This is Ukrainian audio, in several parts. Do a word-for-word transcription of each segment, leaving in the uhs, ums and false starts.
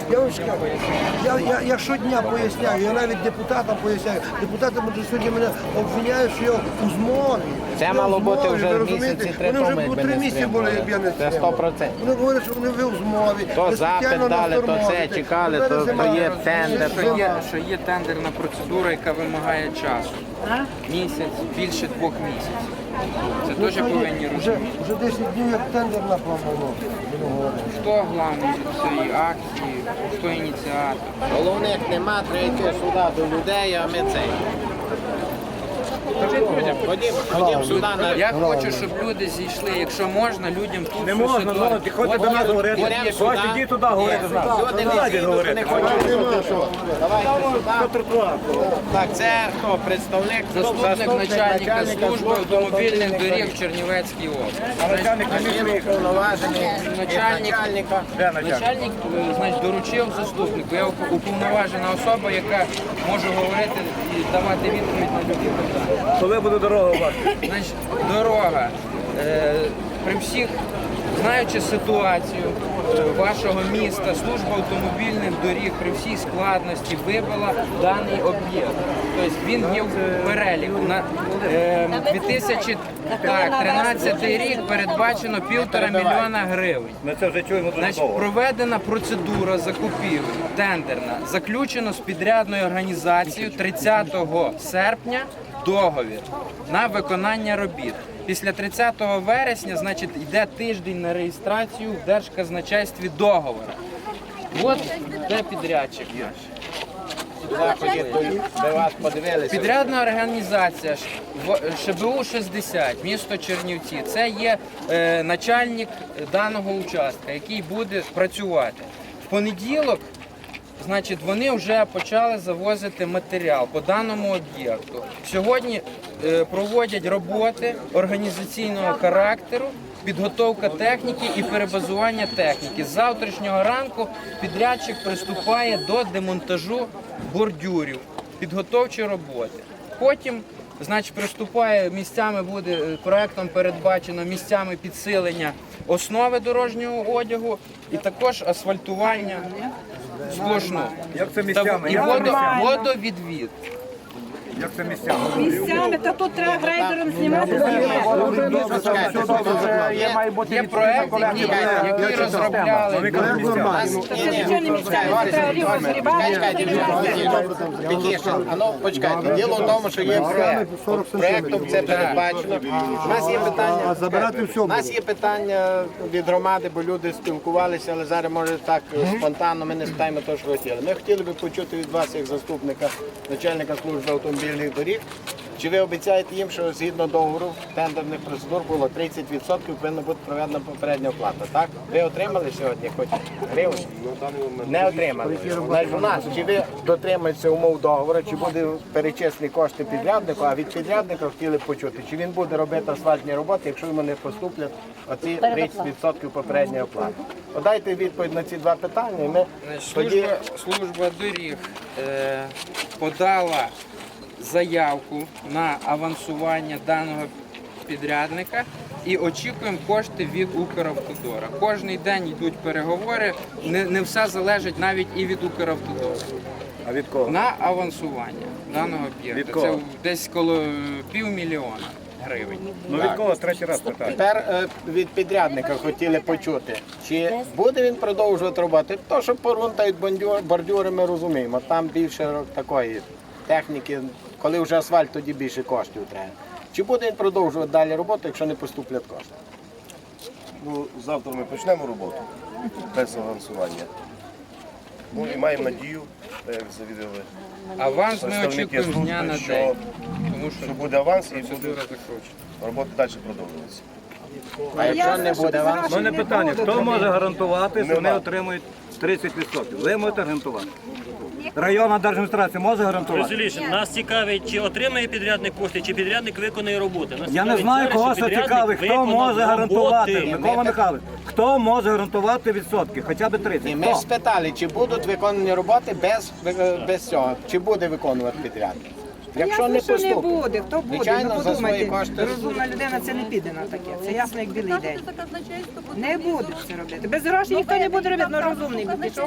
Я вам скажу, я, я, я щодня поясняю, я навіть депутатам поясняю. Депутати може, сьогодні мене обвиняють, що я у змові. Це Я мало в змові, бути вже ви місяці розумієте? три Вони тому, вже якби по три не місяці були, як я не Це стримав. сто процентів. Вони говорять, що вони ви у змові. То ви запит спеціально дали, нас то це тормозите. чекали, Тепер то- зима. то є тендер. Що є, що є тендерна процедура, яка вимагає часу. Місяць, більше двох місяців. Це Ну, теж що є? повинні Вже, розуміти. вже десять днів як тендер напламано. Хто главний цієї акції, хто ініціатор. Головних нема, треба йти сюди до людей, а ми цей. Ходім, ходім сюди на... Я хочу, щоб люди зійшли, якщо можна, людям тут Не всю можна, ситуацію. ну, ти ходь От до нас є- говорити. от є Ходь, сюди. іди туди говорити з нами. Люди не Давайте зійдуть, говорити. не хочуть чути. Давайте сюди. Так, це хто? Представник? Заступник начальника служби автомобільних доріг в Чернівецькій області. Начальник не Начальник міг. уповноважений Начальник, начальника. Де начальник? начальник е, значить, доручив заступнику. Я уп- уповноважена особа, яка може говорити і давати відповідь на любі питання. Коли буде дорога у вас? Значить, дорога. Е, при всіх, знаючи ситуацію е, вашого міста, служба автомобільних доріг при всій складності вибила даний об'єкт. Тобто він є в переліку. На е, дві тисячі тринадцятий рік передбачено півтора мільйона гривень. Ми це вже чуємо дуже Значить, довго. проведена процедура закупівлі тендерна. Заключено з підрядною організацією тридцятого серпня договір на виконання робіт. Після тридцятого вересня, значить, йде тиждень на реєстрацію в Держказначействі договора. От де підрядчик наш. Сюди ходіть, де вас подивилися. Підрядна організація ШБУ шістдесят, місто Чернівці. Це є е, начальник даного участка, який буде працювати. В понеділок, значить, вони вже почали завозити матеріал по даному об'єкту. Сьогодні е, проводять роботи організаційного характеру, підготовка техніки і перебазування техніки. З завтрашнього ранку підрядчик приступає до демонтажу бордюрів, підготовчі роботи. Потім, значить, приступає, місцями буде е, проектом передбачено місцями підсилення основи дорожнього одягу і також асфальтування сплошну. Як це Та місцями? і Як це водо, місцями? водовідвід. Як це місцями? Місцями, та тут треба грейдером знімати. Є проект, який, який розробляли. Це нічого не місцями, це треба рівно зрібати. А ну, почекайте. Діло в тому, що є проект. Проектом це передбачено. У нас є питання. забирати все У нас є питання від громади, бо люди спілкувалися, але зараз може так спонтанно ми не спитаємо те, що хотіли. Ми хотіли би почути від вас, як заступника начальника служби автомобільних доріг. Чи ви обіцяєте їм, що згідно договору тендерних процедур було тридцять відсотків повинна бути проведена попередня оплата, так? Ви отримали сьогодні хоч гривень? Не отримали. Значить, у нас, чи ви дотримуєтеся умов договору, чи буде перечислені кошти підряднику, а від підрядника хотіли б почути, чи він буде робити асфальтні роботи, якщо йому не поступлять оці тридцять відсотків попередньої оплати. Подайте відповідь на ці два питання, і ми Значить, тоді... Служба, служба доріг е, подала заявку на авансування даного підрядника і очікуємо кошти від Укравтодора. Кожний день йдуть переговори, не, не все залежить навіть і від Укравтодора. А від кого? На авансування даного Від об'єкту. кого? Це десь коло півмільйона гривень. Ну від кого третій раз питаю? Тепер е, від підрядника хотіли почути, чи буде він продовжувати роботи. То, що порунтають бордюр- бордюри, ми розуміємо. Там більше такої техніки, коли вже асфальт, тоді більше коштів треба. Чи буде він продовжувати далі роботу, якщо не поступлять кошти? Ну, завтра ми почнемо роботу без авансування. Ну і маємо надію, так як завідали, Аванс ми представники очікуємо з дня на служби, день. що, Тому що що буде аванс і буде процедура закручена. робота далі продовжуватися. А якщо не буде авансу? У мене питання, хто може гарантувати, що вони Нема. отримують тридцять відсотків? Ви можете гарантувати? Районна держадміністрація може гарантувати? Розумієш, нас цікавить, чи отримає підрядник кошти, чи підрядник виконує роботи. Нас Я не цікавить знаю, зараз, кого що це підрядник цікавить, хто виконав може гарантувати, роботи. Микола Михайлович, хто може гарантувати відсотки, хоча б Ні, тридцять? ми ж Хто? спитали, чи будуть виконані роботи без, без цього, чи буде виконувати підрядник. Якщо не Ясно, що не поступить, буде, хто буде, звичайно, ну за свої подумайте, кошти. розумна людина це не піде на таке, це ясно як білий день. Не буде це робити. Без грошей ніхто не буде робити, ну розумний би пішов.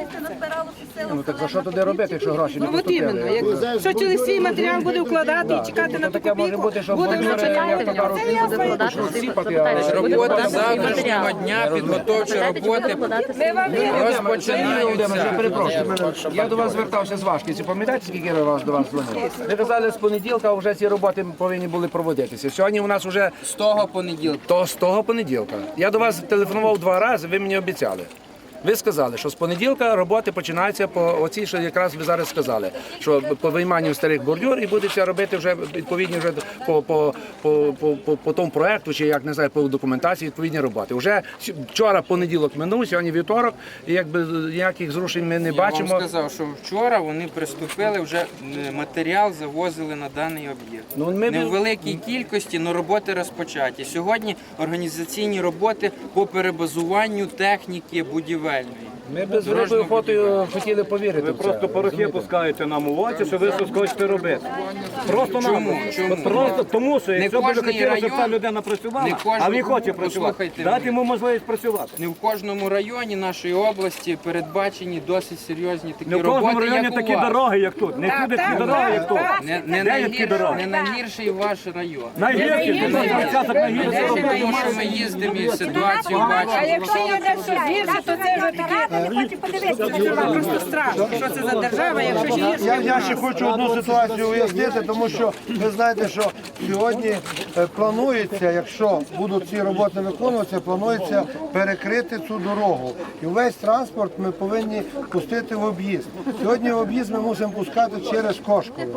Ну так за що туди робити, якщо гроші не Ну от іменно, поступили? якщо чоловік свій матеріал буде вкладати і чекати на ту Таке може копійку, бути, що буде бордюри, вже як то кажуть, це ясно. сіпати, а Робота завтрашнього дня, підготовчі роботи Ми вам віримо. розпочинаються. перепрошую. Я до вас звертався з Вашківців. Пам'ятаєте, скільки раз до вас дзвонив? Ви казали, з понеділка вже ці роботи повинні були проводитися. Сьогодні у нас вже З того понеділка. то з того понеділка. Я до вас телефонував два рази, ви мені обіцяли. Ви сказали, що з понеділка роботи починаються по оцій, що якраз ви зараз сказали, що по вийманню старих бордюр і будеться робити вже відповідні вже по, по, по, по, по, по тому проекту, чи як не знаю, по документації відповідні роботи. Вже с- вчора понеділок минув, сьогодні вівторок, і якби ніяких зрушень ми не Я вам бачимо. сказав, що вчора вони приступили, вже е, матеріал завозили на даний об'єкт. Ну, ми Не б- в великій кількості, але роботи розпочаті. Сьогодні організаційні роботи по перебазуванню техніки будівельної. Ми б з великою охотою хотіли повірити. Ви в це. просто порохи пускаєте нам у очі, що ви щось хочете робити. Просто Чому? нам. Чому? Просто тому, що Не якщо б ви кожний хотіли, щоб ця район- людина не працювала, кожен- а він хоче працювати, Послухайте дати мене. йому можливість працювати. Не в кожному районі нашої області передбачені досить серйозні такі Не в кожному роботи, районі як такі у вас. дороги, як тут. Не всюди такі дороги, як тут. Не, не, Де є такі найгір, дороги? не найгірший ваш район. Найгірші, це наш початок найгірший. Тому що ми їздимо і ситуацію А бачимо. якщо є дещо гірше, то це вже таке, це просто страшно. Що це за держава, якщо ще Я, гірше? я ще хочу одну ситуацію уяснити, тому що ви знаєте, що сьогодні е, планується, якщо будуть ці роботи виконуватися, планується перекрити цю дорогу. І весь транспорт ми повинні пустити в об'їзд. Сьогодні в об'їзд ми мусимо пускати через Кошкове.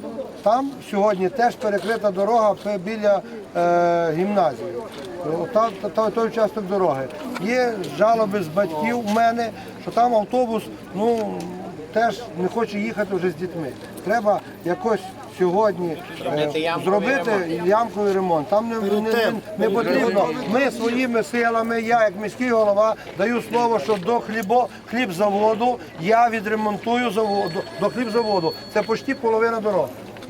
Там сьогодні теж перекрита дорога пе- біля е, гімназії. Та, та, та- той участок дороги. Є жалоби з батьків у мене, що там автобус, ну, теж не хоче їхати вже з дітьми. Треба якось сьогодні е, зробити ямковий ремонт. Там не, не, не, не потрібно. Ми своїми силами, я як міський голова, даю слово, що до хлібо, хлібзаводу я відремонтую заводу, до хлібзаводу. Це почти половина дороги.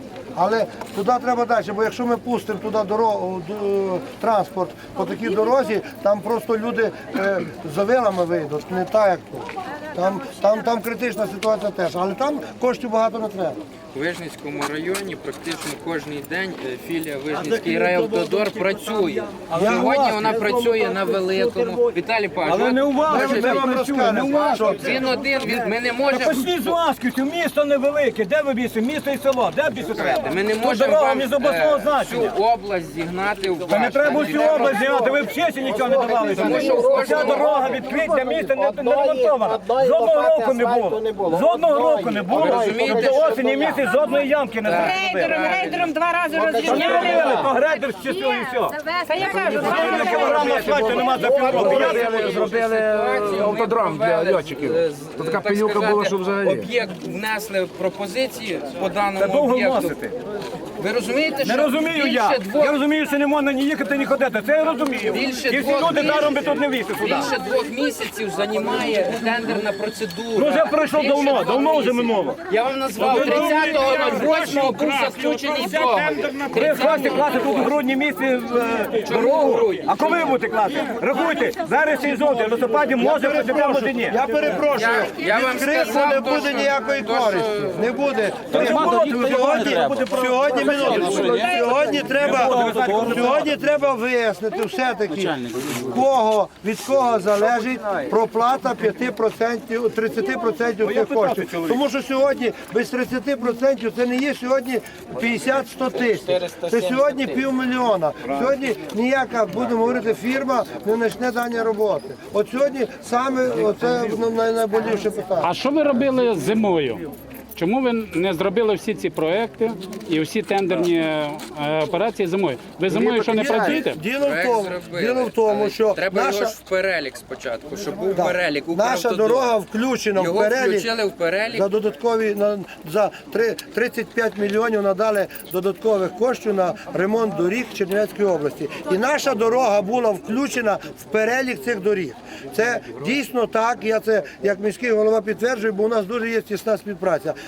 Але туди треба далі, бо якщо ми пустимо туди дорогу, д- транспорт по такій дорозі, там просто люди е, за вилами вийдуть, не так як тут. Там, там, там критична ситуація теж, але там коштів багато не треба. У Вижницькому районі практично кожен день е, філія Вижницький райавтодор працює. Сьогодні вона працює на великому. Віталій Павлович, Але не у вас, може, ми вам працюємо, не у вас. він один, він, ми не Та можемо. почніть з Ласківців, місто невелике, де ви більше, місто і село, де більше треба? Ми не Тут можемо дорога вам не з обласного е, значення. всю область зігнати в Та не ваш. треба всю область зняти, ви в чесі нічого не давали. Ця дорога від Квітня міста не, не ремонтована. Жодного року не було. Жодного року не було. розумієте, До осені місяць жодної ямки не зробили. Рейдером, рейдером два рази Та не розрівняли. робили, то грейдер з часу і все. Та я кажу, два На рази. кілограм асфальту нема за півроку. Я Зробили, зробили автодром для льотчиків. То така пилюка була, що взагалі. Об'єкт внесли пропозиції по Це даному довго об'єкту. вносити. Ви розумієте, Не що розумію я. більше двох Я розумію, що не можна ні їхати, ні ходити. Це я розумію. Більше І всі двох люди місяців. даром би тут не вийшли сюди. Більше двох місяців займає тендерна процедура. Ну вже пройшло Більше давно, двох давно вже місяців. минуло. Я вам назвав тридцятого восьмого був заключений договір. Ви хочете класти тут у грудні місяці е, дорогу, грудні? а коли ви будете класти? Рахуйте, зараз і жовтий, в листопаді може працювати, може ні. Я перепрошую, Я- я вам від крику сказав не то, буде що- ніякої то, що- користі. Не буде. Сьогодні, Сьогодні, сьогодні, минуточку. сьогодні треба, сьогодні треба вияснити все-таки, в кого, від кого залежить проплата п'ять відсотків, тридцять відсотків цих коштів. Тому що сьогодні без тридцять відсотків це не є сьогодні п'ятдесят-сто тисяч. Це сьогодні півмільйона. Сьогодні ніяка, будемо говорити, фірма не почне дані роботи. От сьогодні саме це най- найболіше питання. А що ви робили зимою? Чому ви не зробили всі ці проекти і всі тендерні е, операції зимою? Ви зимою що не працюєте? Діло в Проект тому, зробили, діло в тому, але що треба наша, його ж в перелік спочатку, щоб був так, перелік. наша Укравтодор. дорога включена в Його перелік. включили в перелік. За додаткові на за три- тридцять п'ять мільйонів надали додаткових коштів на ремонт доріг Чернівецької області. І наша дорога була включена в перелік цих доріг. Це дійсно так. Я це як міський голова підтверджую, бо у нас дуже є тісна співпраця.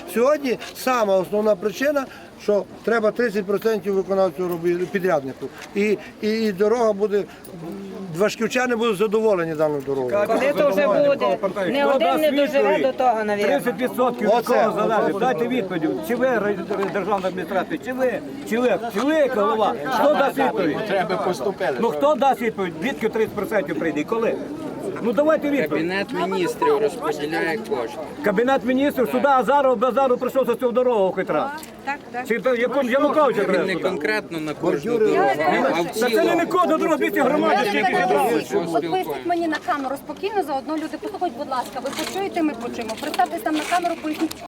Сьогодні сама основна причина, що треба тридцять відсотків виконавцю робити підряднику. І, і, і дорога буде, важківчани будуть задоволені даною дорогою. Коли то вже буде? Не один не доживе до того, навіть. тридцять відсотків від Оце. кого залежить. Дайте відповідь. Чи ви ре- державна адміністрація, чи ви, чи ви, чи ви як голова? Хто дасть відповідь? Треба поступили. Ну хто дасть відповідь? Звідки тридцять відсотків прийде? І коли? Ну давайте відповідь. Кабінет міністрів розподіляє кошти. Кабінет міністрів сюди Азаров Базару прийшов за цю дорогу хоч раз. Так, так. Чи то якому Януковича Він треба не сюди? конкретно на кожну дорогу, а в Та це не цілому. не кожна дорога, двісті громади скільки дорог. От поясніть мені на камеру спокійно, заодно люди, послухайте, будь ласка, ви почуєте, ми почуємо. Представтесь там на камеру, поясніть.